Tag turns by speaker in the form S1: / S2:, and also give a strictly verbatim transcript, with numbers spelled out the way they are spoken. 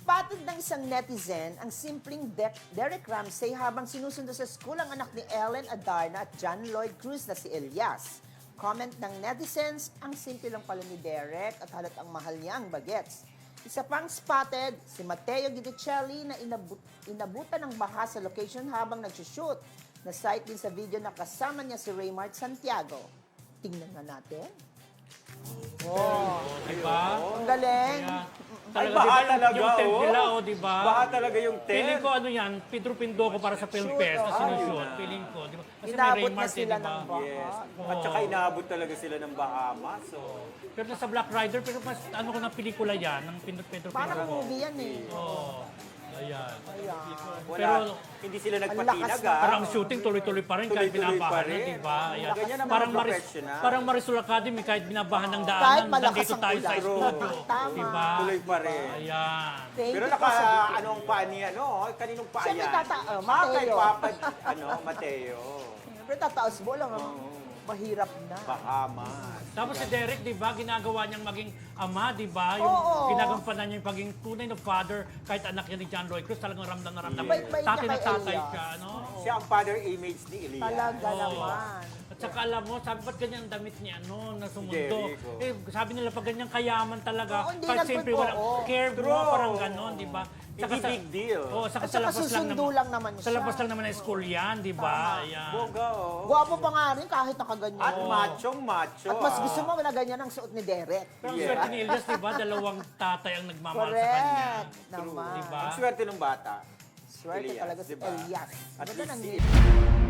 S1: Spotted ng isang netizen ang simpleng De Derek Ramsey habang sinusundo sa school ang anak ni Ellen Adarna at John Lloyd Cruz na si Elias. Comment ng netizens, ang simple lang pala ni Derek at halatang mahal niya ang bagets. Isa pang spotted, si Mateo Guidicelli na inabut inabutan ng baha sa location habang nagsushoot. Na-sight din sa video na kasama niya si Raymart Santiago. Tingnan na natin. Oh,
S2: Diba?
S1: ang galing.
S3: Ay,
S2: Talaga,
S3: baha
S2: diba,
S3: talaga,
S2: yung tent
S3: oh.
S2: nila, oh, diba?
S3: Baha talaga yung tent.
S2: Feeling ko ano yan, Pedro Pindoco para sa Film
S1: Shoot,
S2: Fest na
S1: oh.
S2: sinushoot. Feeling ko, diba? Kasi may
S1: Inabot na
S2: Raymart, eh,
S1: sila
S2: diba?
S1: ng baha.
S3: Yes.
S2: Oo.
S3: At saka inaabot talaga sila ng Bahamas. So.
S2: Pero nasa Black Rider, pero mas ano ko na pelikula yan, ng Pedro Pedro
S1: Parang
S2: Pindoco.
S1: movie yan eh.
S2: Oo. Ayan.
S1: Ayan.
S3: Wala,
S2: Pero-
S3: hindi sila
S1: lakas
S3: nagpatinag,
S1: na-
S3: ah.
S2: Parang shooting, tuloy-tuloy pa rin kahit
S3: Tuloy-tuloy
S2: binabahan
S3: pa
S2: na,
S3: rin.
S2: diba? Ayan.
S3: Ganyan ang mga
S2: Parang Maris,
S3: professional.
S2: parang Marisol Academy, kahit binabahan ng
S1: Kahit
S2: daanan,
S1: malakas
S2: nandito
S1: ang
S2: tayo sa
S1: ulan.
S2: studio.
S1: Tama.
S2: Diba?
S3: Tuloy pa rin.
S2: Ayan.
S1: Thank
S3: Pero
S1: you
S3: naka,
S1: po sa video.
S3: anong paa niya, no? Kaninong paa
S1: Siyempre,
S3: yan?
S1: tata- oh,
S3: Ah, kay
S1: Mateo.
S3: Papa, ano, Mateo.
S1: Siyempre, tataas mo lang. ah. Mahirap na.
S3: Bahamas.
S2: Tapos si Derek, di ba, ginagawa niyang maging ama, di ba? Yung
S1: Oo.
S2: ginagampanan niya yung pagiging tunay na father, kahit anak niya ni John Lloyd Cruz, talagang ramdam na ramdam.
S3: Yes.
S1: Bait-bait
S2: Tatay
S1: niya
S2: na
S1: kay
S2: tatay
S1: Elias.
S2: siya, no?
S3: Siya ang father image ni Elias.
S1: Talaga
S2: Oo.
S1: naman.
S2: At saka alam mo, sabi ba't ganyan ang damit niya, no, na sumundo?
S3: Jericho.
S2: Eh, sabi nila, pag ganyan kayaman talaga,
S1: Oo, hindi
S2: kahit
S1: nagpun-
S2: siyempre walang
S1: oo.
S2: care mo,
S3: True.
S2: parang ganon, di ba?
S3: Hindi big deal.
S2: Oo, saka
S1: At
S2: sa
S1: saka
S2: labas lang
S1: susundo
S2: naman.
S1: lang naman
S2: Sa
S1: siya.
S2: labas lang naman ng school yan, di ba? Ayan.
S3: Boga, oh.
S1: Gwapo pa nga rin kahit nakaganyan.
S3: At machong macho.
S1: At mas
S3: ah.
S1: gusto mo na ganyan ang suot ni Derek.
S2: Pero ang
S3: Yeah.
S2: swerte ni Elias, di ba? Dalawang tatay ang nagmamahal sa kanya.
S1: Correct. Naman.
S2: Di ba?
S3: Ang swerte ng bata.
S1: Swerte
S3: Elias,
S1: talaga si
S3: diba?
S1: Elias.
S3: At
S1: Ganda
S3: least
S1: ng
S3: si-
S1: ngiti.